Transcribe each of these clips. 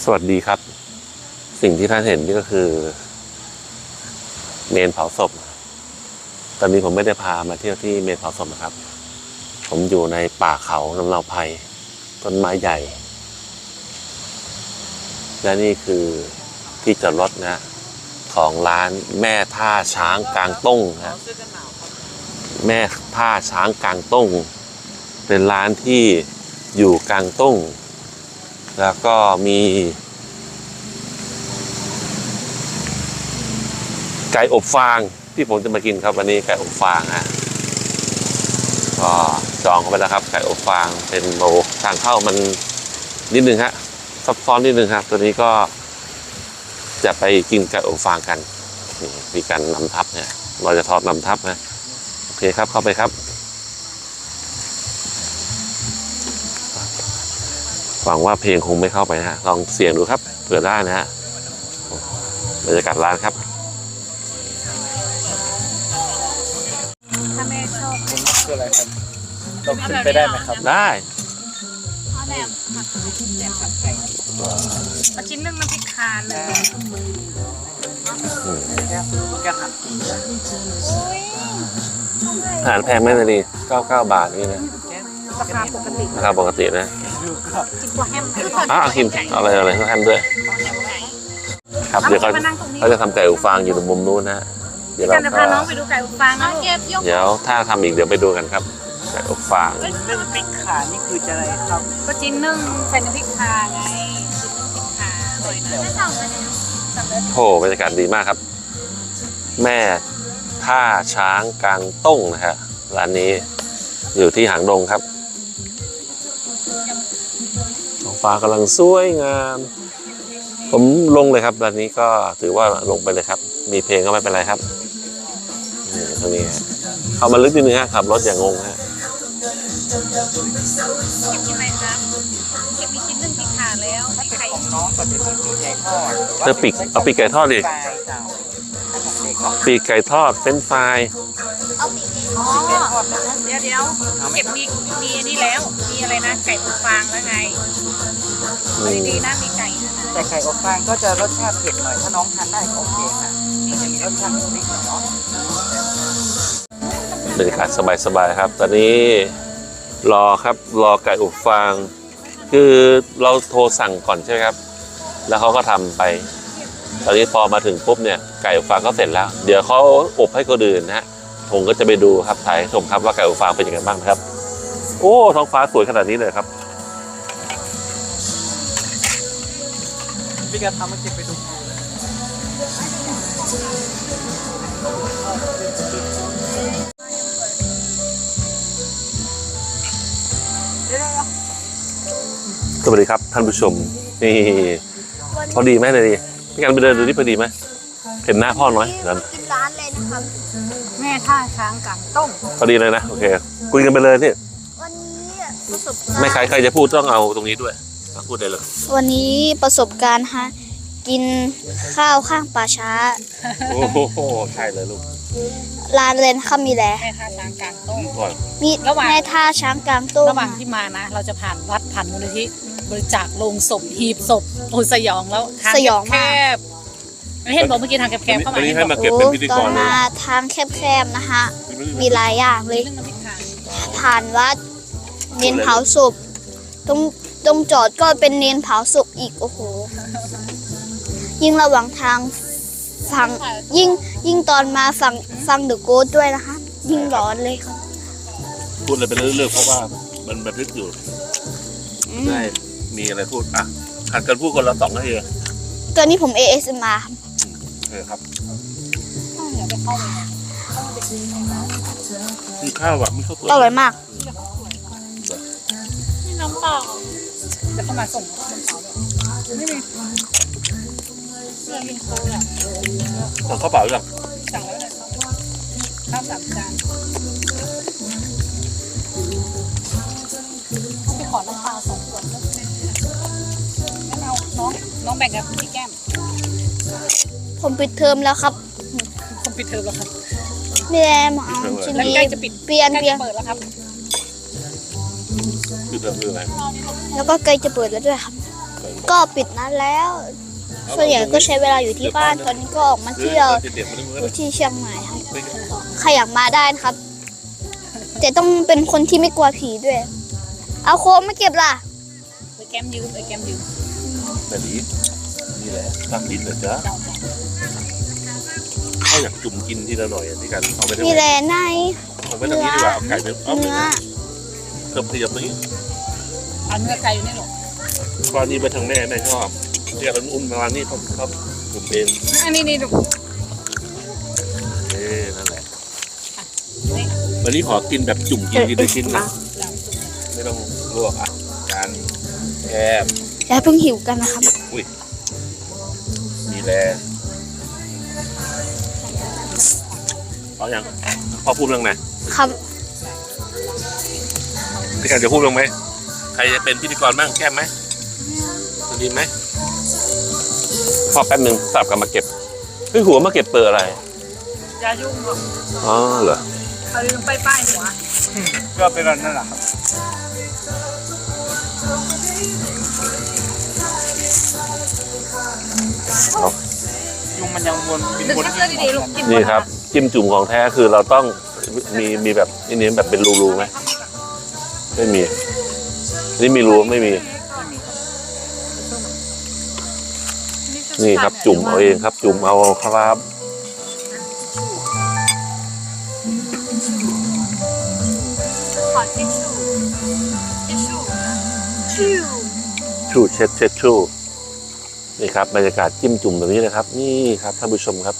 สวัสดีครับสิ่งที่ท่านเห็นนี่ก็คือเมนเผาศพตอนนี้ผมไม่ได้พามาเที่ยวที่เมนเผาศพนะครับผมอยู่ในป่าเขาลำเนาไพรต้นไม้ใหญ่และนี่คือที่จอดรถนะของร้านแม่ท่าช้างกลางต้งนะแม่ท่าช้างกลางต้งเป็นร้านที่อยู่กลางต้งแล้วก็มีไก่อบฟางที่ผมจะมากินครับวันนี้ไก่อบฟางฮะก็จองเข้าไปแล้วครับไก่อบฟางเป็นโลทางเข้ามันนิดนึงฮะซับซ้อนนิดนึงครับตัวนี้ก็จะไปกินไก่อบฟางกันนี่มีการนำทับเนี่ยเราจะทอดนำทับนะโอเคครับเข้าไปครับหวังว่าเพลงคงไม่เข้าไปนะฮะลองเสี่ยงดูครับเผื่อได้นะฮะบรรยากาศร้านครับถ้าแม่ชอบคุณคืออะไรครับเราขึ้นไปได้ไหมครับได้เอาแบบผัดแบบผัดไก่มาชิ้นนึงน้ำพริกคานเลยแกหันอาหารแพงไหมนาดี99 บาทนี่นะราคาปกติราคาปกตินะกินตัวแฮมกินอะไรก็แฮมด้วยครับเดี๋ยวเขาจะทำไก่อบฟางอยู่ตรงมุมนู้นนะเดี๋ยวเราจะพาน้องไปดูไก่อบฟางนะเดี๋ยวถ้าทำอีกเดี๋ยวไปดูกันครับไก่อบฟางนึ่งพริกขานี่คือจะอะไรครับก็จิ้นนึ่งใส่น้ำพริกคาไงจิ้นนึ่งพริกคาอร่อยนะไม่สั่งเลยโอ้บรรยากาศดีมากครับแม่ท่าช้างกลางต้งนะฮะร้านนี้อยู่ที่หางดงครับท้องฟ้ากำลังสวยงามผมลงเลยครับร้านนี้ก็ถือว่าลงไปเลยครับมีเพลงก็ไม่เป็นไรครับนี่ตรงนี้เข้ามาลึกนิดนึงฮะขับรถอย่างงงฮะเก็บกินอะไรครับเก็บมีชิ้นนึ่งพริกคาแล้วถ้าเป็นของน้องก็จะมีปีกไก่ทอดเอาปีกไก่ทอดดิปีกไก่ทอดเฟรนช์ฟรายอ๋อเดี๋ยวเก็บมีอันนี้แล้วมีอะไรนะไก่อบฟางแล้วไงดีๆนะมีไก่แต่ไก่อบฟางก็จะรสชาติเผ็ดหน่อยถ้าน้องทานได้ก็โอเคค่ะนี่จะมีรสชาตินิดหน่อยเนาะบรรยากาศสบายๆครับตอนนี้รอไก่อบฟางคือเราโทรสั่งก่อนใช่ไหมครับแล้วเขาก็ทำไปตอนนี้พอมาถึงปุ๊บเนี่ยไก่อบฟางก็เสร็จแล้วเดี๋ยวเขาอบให้คนอื่นนะฮะผมก็จะไปดูครับถ่ายชมครับว่าไก่อบฟางเป็นยังไงบ้างครับโอ้ท้องฟ้าสวยขนาดนี้เลยครับพี่การทำมาเก็บไปดูสวัสดีครับท่านผู้ชมนี่พอดีไหมเลยพี่การไปเดินดูที่พอดีไหมเห็นหน้าพ่อน้อยนั้นกินร้านเลยนะครับแม่ท่าช้างกลางต้งพอดีเลยนะโอเคคุยกันไปเลยนี่วันนี้ประสบการณ์ไม่ใครจะพูดต้องเอาตรงนี้ด้วยพูดได้เลยวันนี้ประสบการณ์ฮะกินข้าวข้างป่าช้าโอ้โหใช่เลยลูกร้านเลนข้ามีแหละแม่ท่าช้างกลางต้งมีแม่ท่าช้างกลางต้งระหว่างที่มานะเราจะผ่านวัดผ่านมูลนิธิบริจาคโลงศพหีบศพโอ้สยองแล้วทางแคบไม่เห็นบอกเมื่อกี้ทางแคบเข้ามาให้มาเก็บเป็นพิธีกรมาทางแคบๆนะคะมีหลายอย่างเลยผ่านวัดเมนเผาศพตรงจอดก็เป็นเมนเผาศพอีกโอ้โหยิ่งระหว่างทางฟังยิ่งตอนมาฟังเดอะโกสด้วยนะคะยิ่งร้อนเลยค่ะพูดอะไรไปเรื่อยๆเพราะว่ามันบันทึกอยู่ได้มีอะไรพูดอ่ะหัดกันพูดคนละ2 นาทีตอนนี้ผม ASMR ครับมีข้าวแบบมีข้าวอร่อยมากนี่น้ำเปล่าเดี๋ยวเขามาส่งไม่มีเสื้อยิงโค้ดสั่งข้าวเปล่าหรือยังสั่งแล้วเลยข้าว3 จานไปขอน้ำเปล่า2 ขวดแล้วงั้นเอาน้องแบ่งกับพี่แก้มผมปิดเทอมแล้วครับผมปิดเทอมแล้วครับแม่มาเอาชิ้นนี้เปลี่ยนเปิดแล้วครับคือเทอมคืออะไรแล้วก็ใกล้จะเปิดแล้วด้วยครับก็ปิดนัดแล้ว ส่วนใหญ่ก็ใช้เวลาอยู่ที่บ้าน ตอนนี้ก็ออกมาเที่ยวอยู่ที่เชียงใหม่ครับใครอยากมาได้นะครับ แต่ต้องเป็นคนที่ไม่กลัวผีด้วย เอาโค้กมาเก็บล่ะไปแก้มยืมไปแก้มยืมแบบนี้นี่แหละตั้งดินเหรอจ๊ะเขาอยากจุ่มกินทีละหน่อยที่กันเอาไปทางมีไหแหนล่ในเอาไปทางนี้ดีกว่าเอาไก่ไปเอาไปเนื้อเพิ่มขยับตรงนี้เอาเนื้อไก่อยู่ในหรอกตอนนี้ไปทางแม่ชอบเรียกอุ่นๆประมาณนี้เขาจุ่มเองอันนี้นี่ลูกนั่นแหละนี่วันนี้ขอกินแบบจุ่มกินทีละชิ้นนะไม่ต้องลวกอ่ะการแคบอย่าเพิ่งหิวกันนะครับอุ้ยมีแรงเอาอย่างพอพูดเรื่องไหนครับพี่การจะพูดเรื่องไหมใครจะเป็นพิธีกรบ้างแก้มไหมจะดีไหมพอแป๊บหนึ่งสับกลับมาเก็บเฮ้ยหัวมาเก็บเปลือกอะไรอย่ายุ่งหรอกอ๋อเหรอเอาลืมป้ายหัวก็เป็นนั่นแหละครับยุงมันยังวนบินดึงวนเสื้อดีๆลูกกินนี่ครับจิ้มจุ่มของแท้คือเราต้องมีแบบนี่แบบเป็นรูๆไหมไม่มีนี่มีรูไม่มี นี่ครับจุ่มเอาเองครับ จุ่มเอาครับขอทิชชู่ทิชชู่ชูเช็ดชูนี่ครับบรรยากาศจิ้มจุ่มแบบนี้นะครับ นี่ครับท่านผู้ชมครับ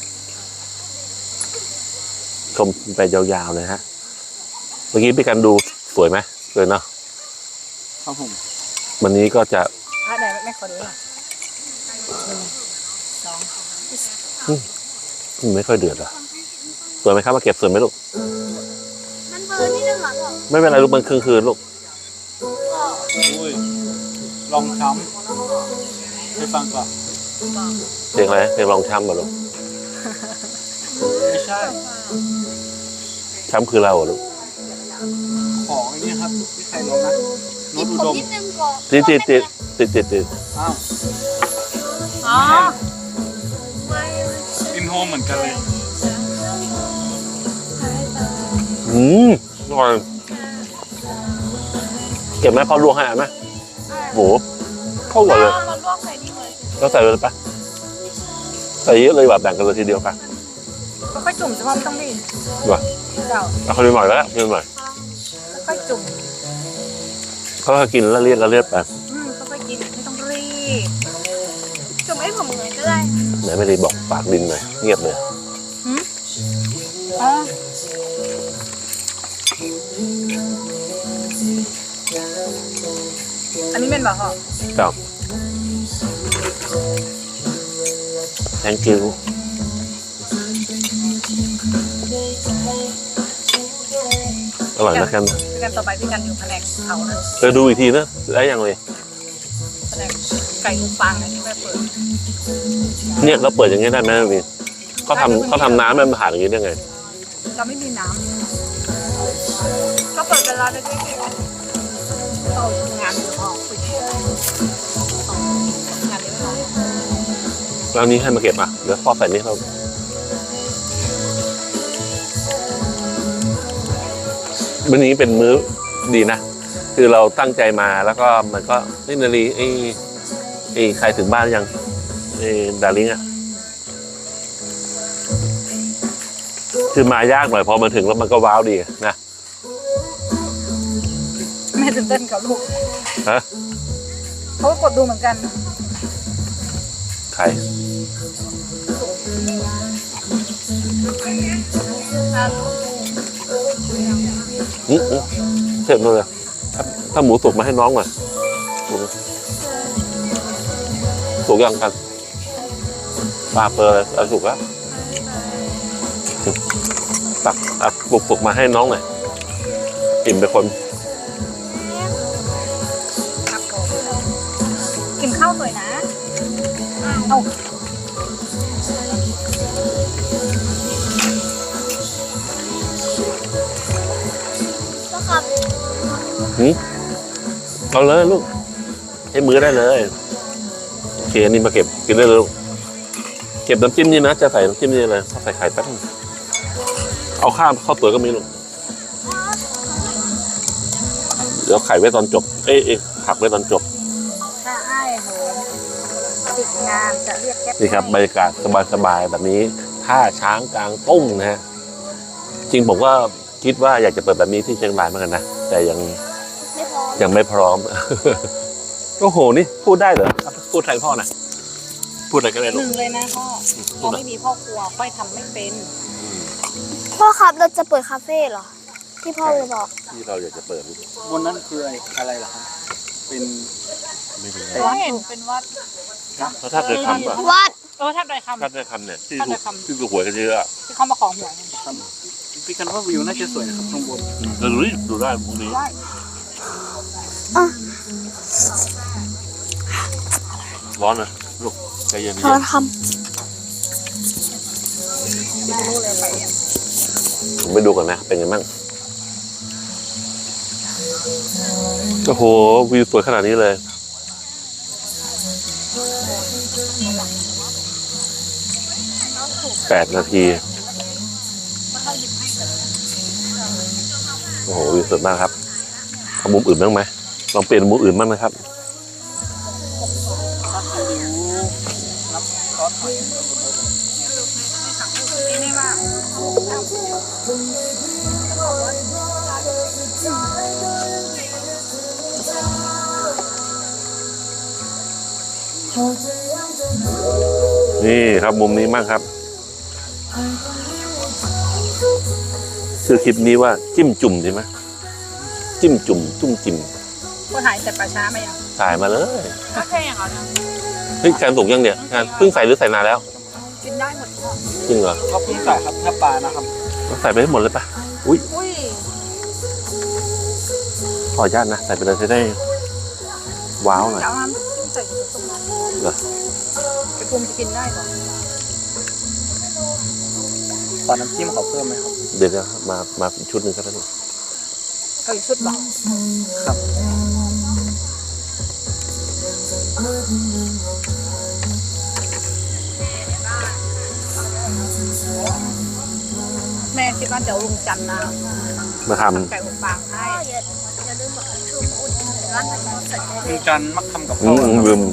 ชมไปยาวๆเลยฮะเมื่อกี้พี่กันดูสวยไหมสวยเนาะครับผมวันนี้ก็จะไหนแม่ขอดูหน่อยไม่ค่อยเดือดอ่ะสวยไหมครับมาเก็บสวยไหมลูกมันเบอร์นิดนึงเหรอพ่อไม่เป็นไรลูกมันคืนลูกอุ้ยลองช้ำไปฟังก่อนเพลงอะไรเพลงลองช้ำเหรอลูกไม่ใช่ช้ำคือเราเหรอลูกของไอ้นี่ครับที่ใครร้องนะโน้กิตนอุผมดมนิดนึงก่อนติดอ้าวอ๋ออินโฮมเหมือนกันเลยอร่อยเก็บไหมพอลวกให้ไหมหมูเข้าหมดเลยเราลวกใส่นี่เลยก็ใส่เลยปะใส่เยอะเลยแบบแบ่งกันเลยทีเดียวปะค่อยจุ่มเฉพาะไม่ต้องรีบว่ะเจ้าเอาคนหน่อยแล้วคนหน่อยค่อยจุ่มเขาก็กินแล้วเลียดไปค่อยกินไม่ต้องรีบจุ่มให้ผมเลยก็ได้ไหนไม่ได้บอกปากดินหน่อยเงียบเลยอ๋อ อันนี้เป็นแบบเหรอเจ้า thank you อร่อยนะแคมพี่กันต่อไปพี่กันอยู่แผนกเขานะดูอีกทีนะได้ยังเลยแผนกไก่ลูกฟางนะที่แม่เปิดเนี่ยเราเปิดอย่างงี้ได้ไหมพี่เขาทำน้ำมันผ่านอย่างงี้ได้ไงเราไม่มีน้ำก็เปิดเวลาได้ด้วยเรางานออกคุยงานเลี้ยงน้องแล้วนี้ให้มาเก็บอ่ะเดี๋ยวพ่อใส่นี่เราวันนี้เป็นมื้อดีนะคือเราตั้งใจมาแล้วก็มันก็นี่นาลีไอ้ใครถึงบ้านยังไอ้ดาริงอ่ะคือมายากหน่อยพอมาถึงแล้วมันก็ว้าวดีนะแม่ตื่นเต้นกับลูกฮะเขาก็กดดูเหมือนกันใครเสร็จเลยถ้าหมูสุกมาให้น้องหน่อยสุกยังกันปลาเปอร์อะไรสุกแล้วตักปลุกมาให้น้องหน่อยอิ่มไปคนกินข้าวสวยนะเอาก็ครับเอาเลยลูกให้มือได้เลยเคอันนี้มาเก็บกินได้เลยลูกเก็บน้ำจิ้มนี่นะจะใส่น้ำจิ้มนี่เลยใส่ไข่แป๊บนึงเอาข้าวตัวก็มีลูกเดี๋ยวไข่ไว้ตอนจบเอ้ยผักไว้ตอนจบถ้าไอ้โหติดงานจะเรียกแก๊ปนี่ครับบรรยากาศสบายๆแบบนี้ท่าช้างกลางตุ้งนะฮะจริงผมก็คิดว่าอยากจะเปิดแบบนี้ที่เชียงรายเหมือนกันนะแต่ยังไม่พอยังไม่พร้อม โอ้โหนี่พูดได้เหรอพูดแทนพ่อนะพูดอะไรก็ได้หลูกนึ่งเลยนะพ่อเราไม่มีพ่อครัวค่อยทำไม่เป็นพ่อครับเราจะเปิดคาเฟ่เหรอ ที่พ่อเลยบอกที่เราอยากจะเปิดลูกบนนั้นคืออะไรล่ะครับเป็นไม่รู้วัดเห็นเป็นวัดเพราะถ้าเกิดคำอะวัดถ้าโดยคถ้าเกิดคำเนี่ยที่ถ้าถูเกิกดคำที่ถูกหวยกันเยอะอะที่เขามาของหวยพี่กันว่าวิวน่าจะสวยนะครับข้างบนเราดูได้พรุ่งนี้ได้ร้อนนะลูกใจเย็นทอนคไม่รู้เลยไปเนี่ยๆผมไปดูก่อนนะเป็นไงบ้างโอ้โหวิวสวยขนาดนี้เลย8 นาทีโอ้โหวิวสวยมากครับเอามุมอื่นบ้างไหมลองเปลี่ยนมุมอื่นบ้างนะครับนี่ว่านี่ครับมุมนี้มากครับชื่อคลิปนี้ว่าจิ้มจุ่มใช่ไหมจิ้มจุ่มจุ่มจิ้มก็ถ่ายแต่ป่าช้ามายังถ่ายมาเลยก็แค่อย่างเอาเนี่ยเฮ้ยการสุกยังเนี่ยงานเพิ่งใส่หรือใส่นานแล้วกินได้หมดจริงเหรอก็เพิ่งใส่ครับเนื้อปลานะครับใส่ไปให้หมดเลยปะอุ้ยอุ้ยขออนุญาตนะใส่ไปเลยจะได้ว้าวหน่อยจะเอาน้ำใส่ผสมน้ำเหรอไอ้ภูมิจะกินได้เหรอตอนน้ำจิ้มเขาเพิ่มไหมครับเดี๋ยวนะมาอีกชุดหนึ่งก็ได้ลูกเอาอีกชุดบอกครับแม่คิดว่าเดี๋ยวลุงจันทร์นะมาทไก่อบฟางให้ำอย่าลืมบอกชูอุดร้านทำเสร็จได้ลุงจันทร์มักทำกับำข้าวนะครับลืม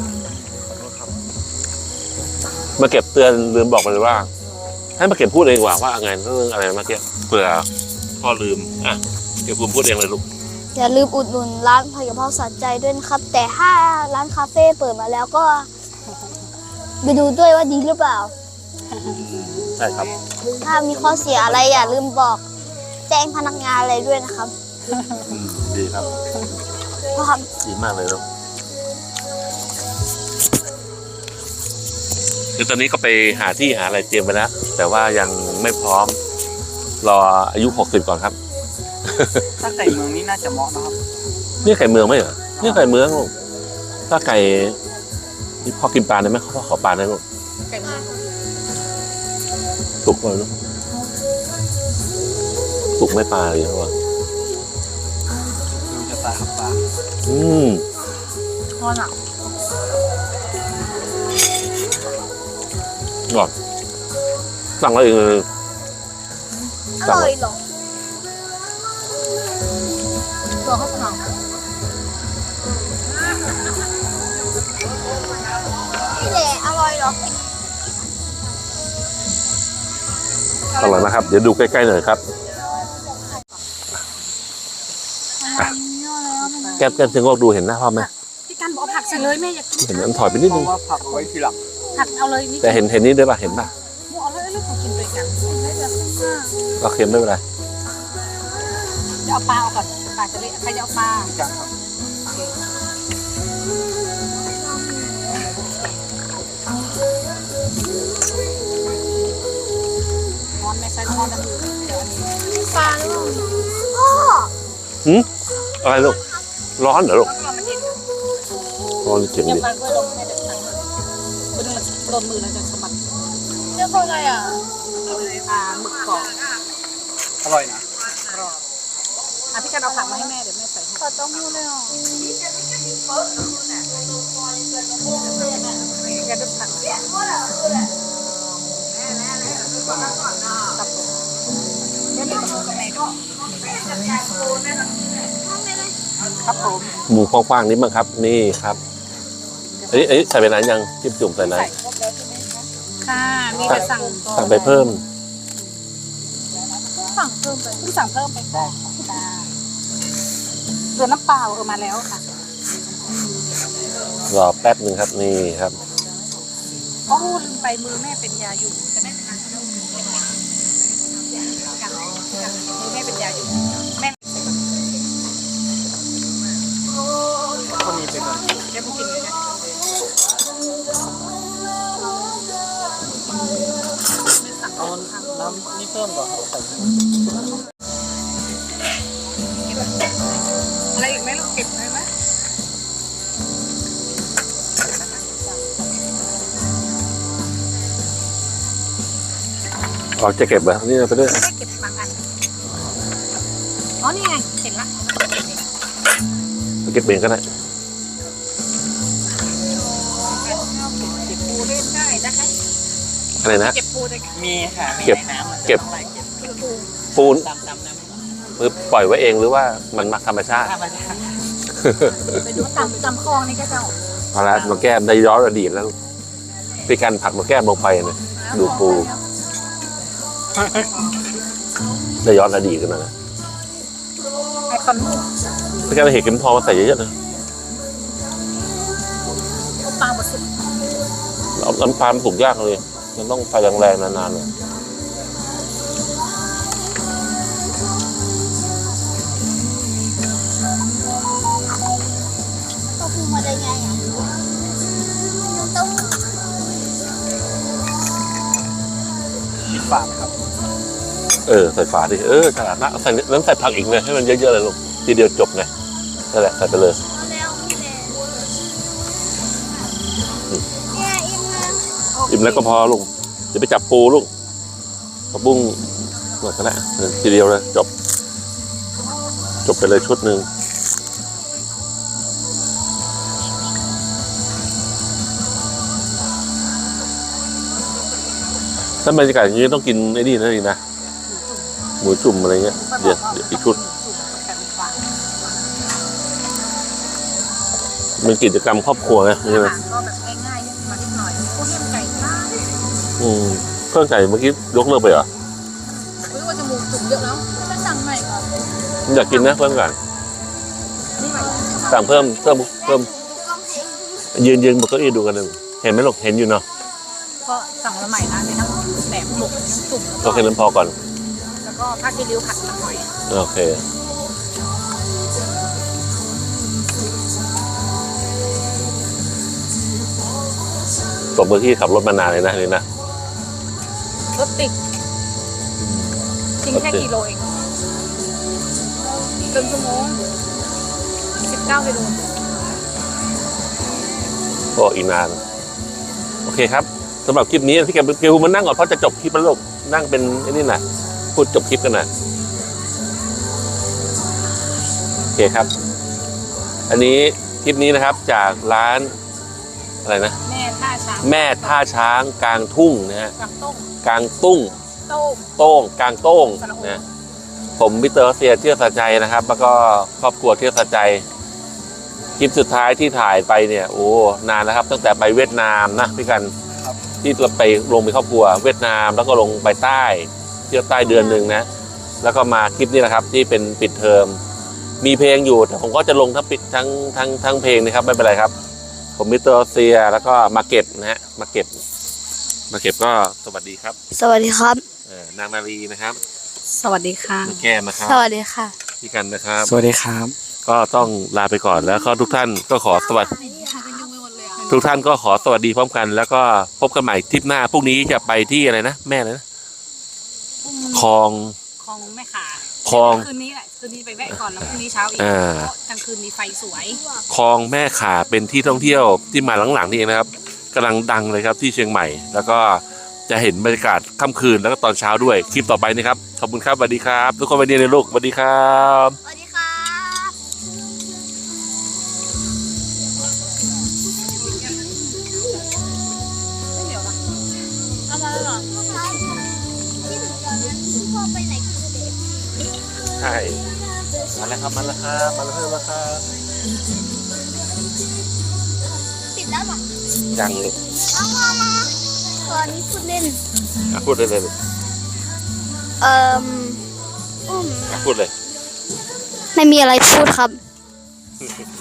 มาเก็บเตือนลืมบอกไปเลยว่า ให้มาเก็บพูดเองดีกว่าว่าไงเรื่องอะไรเมื่อกี้เผื่อพ่อลืมอ่ะเก็บพูดเองเลยลูกอย่าลืมอุดหนุนร้านผัดกะเพราสะใจด้วยนะครับ แต่ถ้าร้านคาเฟ่เปิดมาแล้วก็ไปดูด้วยว่าดีหรือเปล่าใช่ครับถ้ามีข้อเสียอะไรอย่าลืมบอกแจ้งพนักงานอะไรด้วยนะครับดีครับเพราะครับดีมากเลยลูกคือตอนนี้ก็ไปหาที่หาอะไรเตรียมไปแล้ว แต่ว่ายังไม่พร้อม รออายุ60ก่อนครับถ้าไก่เมืองนี่น่าจะเหมาะนะครับนี่ไก่เมืองไหมเหรอนี่ไก่เมืองลูกถ้าไก่นี่พ่อกินปลาได้ไหมพ่อขอปลาได้ลูกไก่เมืองสุกเลยลูกสุกไม่ปลาเลยครับว่าลุงจะตายครับปลาทอดอ่ะก่อนสั่งแล้วเองเลยอร่อยเหรอตัวข้าวสารนี่แหละอร่อยเหรออร่อยมากครับเดี๋ยวดูใกล้ๆหน่อยครับอ่ะแก้มเชิงโลกดูเห็นหน้าพ่อไหมพี่กันบอกผักใส่เลยแม่อยากกินเห็นอันถอยไปนิดเพนึงราะว่าผักเอาไว้ทีหลังผักเอาเลยนี่แต่เห็นนี่ด้วยป่ะเห็นป่ะหมูเอาเลยลูกของกินด้วยกันไม่จะขึ้นมากก็เค็มไม่เป็นไรจะเอาปลาเอาก่อนปลาจะเละใครจะเอาปลาจังครับทอนแม่ใส่ทอนน้ำมือเดี๋ยวอันนี้ปลาหรือเปล่าพ่ออะไรลูกร้อนเหรอลูกต้องรอมันเย็นร้อนเจ็บอย่าดิปลาด้วยลงแม่เดี๋ยวสั่งเลยไปดูมันโดนมือแล้วจะสะบัดเรียกว่าไงอ่ะเอาเลยหมึกกรอบอร่อยนะกรอบพี่กันเอาผักมาให้แม่เดี๋ยวแม่ใส่ให้ขอต้องพูดเลยเหรอครับผมเดี๋ยวนี้ก็กับแม่ก็ครับผมหมูกว้างๆนิดมั้งครับ นี่ครับอันนี้ใส่ไปนานยังจิ้มจุ่มใส่นานใส่ครบแล้วใช่ไหมคะค่ะมีแต่สั่งก่อนสั่งไปเพิ่มสั่งเพิ่มไปเพิ่งสั่งเพิ่มไปได้ค่ะเรือน้ำเปล่ามาแล้วค่ะรอแป๊บหนึ่งครับนี่ครับโอ้ลืมไปมือแม่เป็นยาอยู่แต่แม่ทานขนมมือแม่เป็นยาอยู่แม่คนนี้ไปก่อนเดี๋ยวพวกกินเลยนะเอาน้ำนี่เพิ่มก่อนใส่อะไรอีกไหมลูกเก็บไว้ไหมออกจะเก็บเหรอนี่ไปด้วยไม่ได้เก็บบางอันอ๋อนี่ไงเห็นละเก็บเองก็ได้เก็บปูเล่นได้นะคะอะไรนะเก็บปูได้ค่ะมีค่ะมีเก็บในน้ำเก็บอะไรเก็บปูปูนดำน้ำหรือปล่อยไว้เองหรือว่ามันมาธรรมชาติธรรมชาติไปดูตำคลองนี่ก็จะเอาละมาแก้มได้ย้อนอดีตแล้วเป็นการผักมาแก้มลงไปนะดูปูได้ย้อนอดีตกันนะไอคอนลูกเป็นการเห็ดเข็มทองมาใส่เยอะๆนะปลาบดสุดเอาน้ำปลามันสุกยากเลยมันต้องไฟแรงๆนานๆเลยก็พูดมาได้ไงอ่ะต้องปิดฝาครับใส่ฝาดิฉลาดนะใส่น้ำใส่ผักอีกเลยให้มันเยอะๆเลยลูกทีเดียวจบไงนั่นแหละใส่ไปเลยเอาแล้วนี่แหละเนี่ยอิ่มแล้วอิ่มแล้วก็พอลูกเดี๋ยวไปจับปูลูกกระบุ้งหมดก็ได้ทีเดียวเลยจบไปเลยชุดหนึ่งถ้าบรรยากาศอย่างนี้ต้องกินไอ้นี่นะดีนะหมูจุ่มอะไรเงี้ยเดี๋ยวอีกชุดเป็นกิจกรรมครอบครัวไงอาใช่ไหมหารก็แบบง่ายๆมานิดหน่อยพวกเลี้ยงไก่บ้างเครื่องไก่เมื่อกี้ยกเลิกไปเหรอหรือว่าจมูกจุ่มเยอะแล้วจะสั่งใหม่ก่อนอยากกินนะเพิ่มก่อนนี่ใหม่สั่งเพิ่มยืนบนเก้าอี้ดูกันหนึ่งเห็นไหมลูกเห็นอยู่เนาะก็สั่งมาใหม่นะมีทั้งแหนมหมกทั้งจุ่มโอเคนั้นพอก่อนแล้วก็ผ้าคีริ้วผัดน้ำหอยโอเคตบมือที่ขับรถมานานเลยนะนี่นะรถติดทิ้งแค่กิโลเองเกินชั่วโมง19กิโลก็อีกนานโอเคครับสำหรับคลิปนี้พี่แกวมานั่งก่อนเพราะจะจบคลิปแล้วลูกนั่งเป็นไอ้นี่นะพูดจบคลิปกันนะโอเคครับ อันนี้คลิปนี้นะครับจากร้านอะไรนะแม่ท่าช้างแม่ท่าช้างกลางทุ่งนะฮะกลางต้งกลางตุ้งโต้งโต้งกลางโต้งสระอุนะผมมิสเตอร์เซียเที่ยวสะใจนะครับ แล้วก็ครอบครัวเที่ยวสะใจคลิปสุดท้ายที่ถ่ายไปเนี่ยโอ้นานแล้วครับตั้งแต่ไปเวียดนามนะพี่กันที่เราไปลงไปครอบครัวเวียดนามแล้วก็ลงไปใต้เที่ยวใต้เดือนหนึ่งนะแล้วก็มาคลิปนี้นะครับที่เป็นปิดเทอมมีเพลงอยู่แต่ผมก็จะลงทั้งปิดทั้งเพลงนะครับไม่เป็นไรครับผมมิสเตอร์เซียแล้วก็มาเก็บนะฮะมาเก็บก็สวัสดีครับสวัสดีครับนางนาลีนะครับสวัสดีค่ะน้องแก้มนะครับสวัสดีค่ะพี่กันนะครับสวัสดีครับก็ต้องลาไปก่อนแล้วก็ทุกท่านก็ขอสวัสดีทุกท่านก็ขอสวัสดีพร้อมกัน แล้วก็พบกันใหม่ทริปหน้าพรุ่งนี้จะไปที่อะไรนะแม่เลยนะคลองคลองแม่ขาคลองคืนนี้แหละคืนนี้ไปแวะก่อนแล้วพรุ่งนี้เช้าอีกอ่าเพราะกลางคืนมีไฟสวยคลองแม่ขาเป็นที่ท่องเที่ยวที่มาหลังๆนี่เองนะครับกำลังดังเลยครับที่เชียงใหม่ แล้วก็จะเห็นบรรยากาศค่ำคืนแล้วก็ตอนเช้าด้วยคลิปต่อไปนะครับขอบคุณครับสวัสดีครับ ทุกคนวันนี้เลยลูกสวัสดีครับสวัสดีครับไม่เหนียวนะเอามาแล้วเหรอพ่อไปไหนกันเด็กใช่มาแล้วครับมาแล้วครับมาแล้วครับปิดแล้วหรอยังลูกเอามาตอนนี้พูดเล่นพูดได้เลยลูกอืมพูดเลยไม่มีอะไรพูดครับ